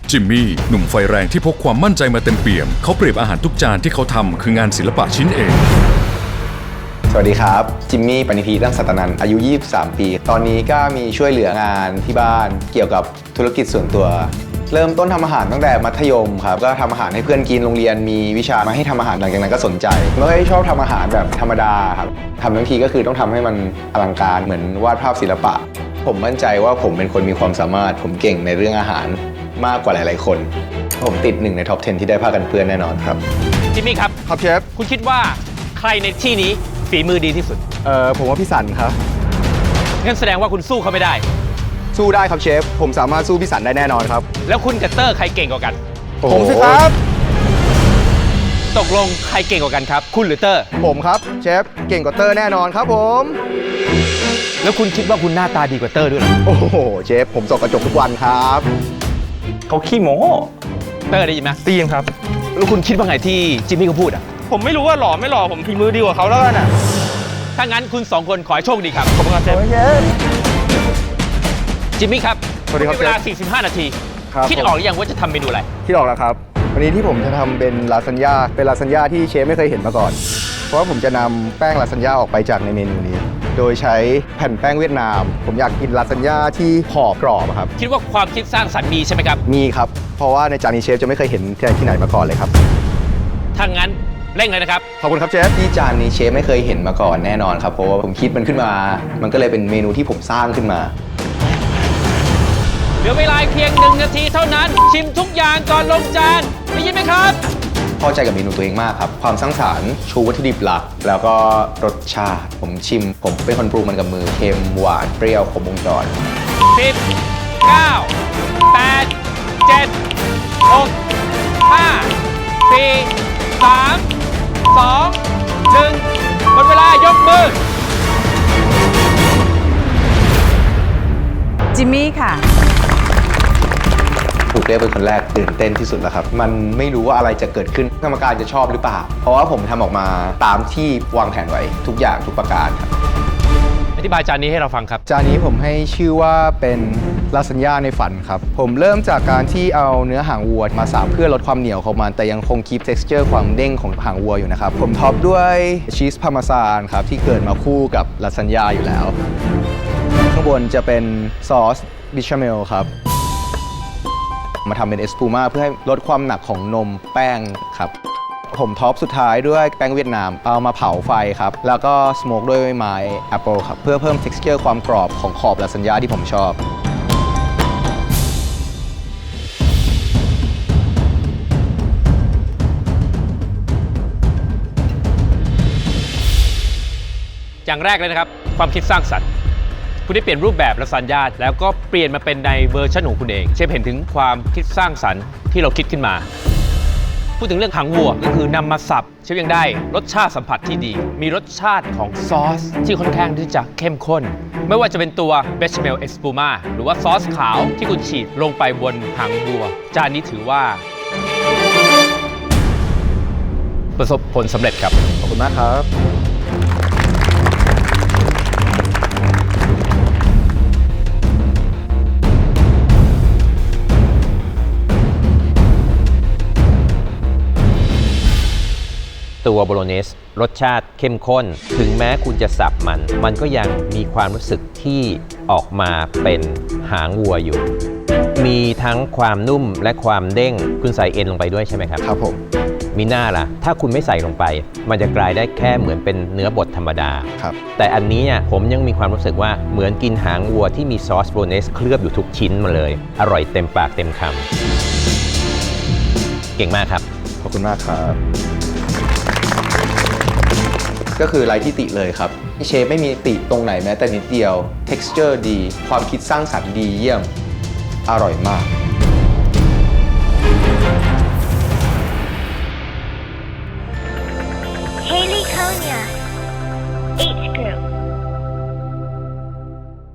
จิมมี่หนุ่มไฟแรงที่พกความมั่นใจมาเต็มเปี่ยมเขาเปรียบอาหารทุกจานที่เขาทำคืองานศิลปะชิ้นเองสวัสดีครับจิมมี่ปณิธีตั้งสัตนันอายุ23ปีตอนนี้ก็มีช่วยเหลืองานที่บ้านเกี่ยวกับธุรกิจส่วนตัวเริ่มต้นทำอาหารตั้งแต่มัธยมครับก็ทำอาหารให้เพื่อนกินโรงเรียนมีวิชามาให้ทำอาหารหลังจากนั้นก็สนใจไม่ค่อยชอบทำอาหารแบบธรรมดาครับทำทั้งทีก็คือต้องทำให้มันอลังการเหมือนวาดภาพศิลปะผมมั่นใจว่าผมเป็นคนมีความสามารถผมเก่งในเรื่องอาหารมากกว่าหลายๆคนผมติด1ในท็อป 10 ที่ได้ผ้ากันเปื้อนแน่นอนครับจิมมี่ครับครับเชฟคุณคิดว่าใครในที่นี้ฝีมือดีที่สุดผมว่าพี่สันครับงั้นแสดงว่าคุณสู้เขาไม่ได้สู้ได้ครับเชฟผมสามารถสู้พี่สันได้แน่นอนครับแล้วคุณกับเตอร์ใครเก่งกว่ากันผมสิครับตกลงใครเก่งกว่ากันครับคุณหรือเตอร์ผมครับเชฟเก่งกว่าเตอร์แน่นอนครับผมแล้วคุณคิดว่าคุณหน้าตาดีกว่าเตอร์ด้วยหรอโอ้โหเชฟผมส่องกระจกทุกวันครับเขาขี้โม้เตอร์ได้ยินไหมได้ยินครับแล้วคุณคิดว่าไงที่จิมมี่เขาพูดอ่ะผมไม่รู้ว่าหล่อไม่หล่อผมฝีมือดีกว่าเขาแล้วกันอ่ะถ้างั้นคุณ2คนขอให้โชคดีครับขอบคุณครับเชฟจิมมี่ครับสวัสดีครับเวลา45 นาทีคิดออกหรือยังว่าจะทำเมนูอะไรคิดออกแล้วครับวันนี้ที่ผมจะทำเป็นลาซานญ่าเป็นลาซานญ่าที่เชฟไม่เคยเห็นมาก่อนเพราะว่าผมจะนำแป้งลาซานญ่าออกไปจากในเมนูนี้โดยใช้แผ่นแป้งเวียดนามผมอยากกินลาซานญ่าที่ห่อกรอบครับคิดว่าความคิดสร้างสรรค์มีใช่ไหมครับมีครับเพราะว่าในจานนี้เชฟจะไม่เคยเห็นที่ไหนมาก่อนเลยครับถ้างั้นเร่งเลยนะครับขอบคุณครับเชฟที่จานนี้เชฟไม่เคยเห็นมาก่อนแน่นอนครับเพราะว่าผมคิดมันขึ้นมามันก็เลยเป็นเมนูที่ผมสร้างขึ้นมาเหลือเวลาเพียง1 นาทีเท่านั้นชิมทุกอย่างก่อนลงจานได้ยินไหมครับพอใจกับเมนูตัวเองมากครับความสร้างสรรค์ชูวัตถุดิบหลักแล้วก็รสชาติผมชิมผมเป็นคนปรุงมันกับมือเค็มหวานเปรี้ยวครบวงจร 10 9 8 7 6 5 4 3 2 1หมดเวลายกมือจิมมี่ค่ะถูกเรียกเป็นคนแรกตื่นเต้นที่สุดแล้วครับมันไม่รู้ว่าอะไรจะเกิดขึ้นกรรมการจะชอบหรือเปล่าเพราะว่าผมทำออกมาตามที่วางแผนไว้ทุกอย่างทุกประการครับอธิบายจานนี้ให้เราฟังครับจานนี้ผมให้ชื่อว่าเป็นลาซานญ่าในฝันครับผมเริ่มจากการที่เอาเนื้อหางวัวมาสับเพื่อลดความเหนียวของมันแต่ยังคงคีป texture ความเด้งของหางวัวอยู่นะครับผมท็อปด้วยชีสพาร์เมซานครับที่เกิดมาคู่กับลาซานญ่าอยู่แล้วข้างบนจะเป็นซอสบิชาเมลครับมาทำเป็นเอสพูม่าเพื่อให้ลดความหนักของนมแป้งครับผมท็อปสุดท้ายด้วยแป้งเวียดนามเอามาเผาไฟครับแล้วก็สโมกด้วยไม้แอปเปิลครับเพื่อเพิ่ม texture ความกรอบของขอบลาซานญ่าที่ผมชอบอย่างแรกเลยนะครับความคิดสร้างสรรค์คุณได้เปลี่ยนรูปแบบลาซานญ่าแล้วก็เปลี่ยนมาเป็นในเวอร์ชันของคุณเองเชฟเห็นถึงความคิดสร้างสรรค์ที่เราคิดขึ้นมาพูดถึงเรื่องหางวัวก็คือนำมาสับเชฟยังได้รสชาติสัมผัสที่ดีมีรสชาติของซอสที่ค่อนข้างที่จะเข้มข้นไม่ว่าจะเป็นตัวเบชเมลเอสปูมาหรือว่าซอสขาวที่คุณฉีดลงไปบนหางวัวจานนี้ถือว่าประสบผลสำเร็จครับขอบคุณมากครับตัวโบโลเนสรสชาติเข้มข้นถึงแม้คุณจะสับมันก็ยังมีความรู้สึกที่ออกมาเป็นหางวัวอยู่มีทั้งความนุ่มและความเด้งคุณใส่เอ็นลงไปด้วยใช่ไหมครับครับผมมีหน้าล่ะถ้าคุณไม่ใส่ลงไปมันจะกลายได้แค่เหมือนเป็นเนื้อบดธรรมดาครับแต่อันนี้ผมยังมีความรู้สึกว่าเหมือนกินหางวัวที่มีซอสโบโลเนสเคลือบอยู่ทุกชิ้นมาเลยอร่อยเต็มปากเต็มคำเก่งมากครับขอบคุณมากครับก็คือไร้ที่ติเลยครับเชฟไม่มีติตรงไหนแม้แต่นิดเดียว texture ดีความคิดสร้างสรรค์ดีเยี่ยมอร่อยมาก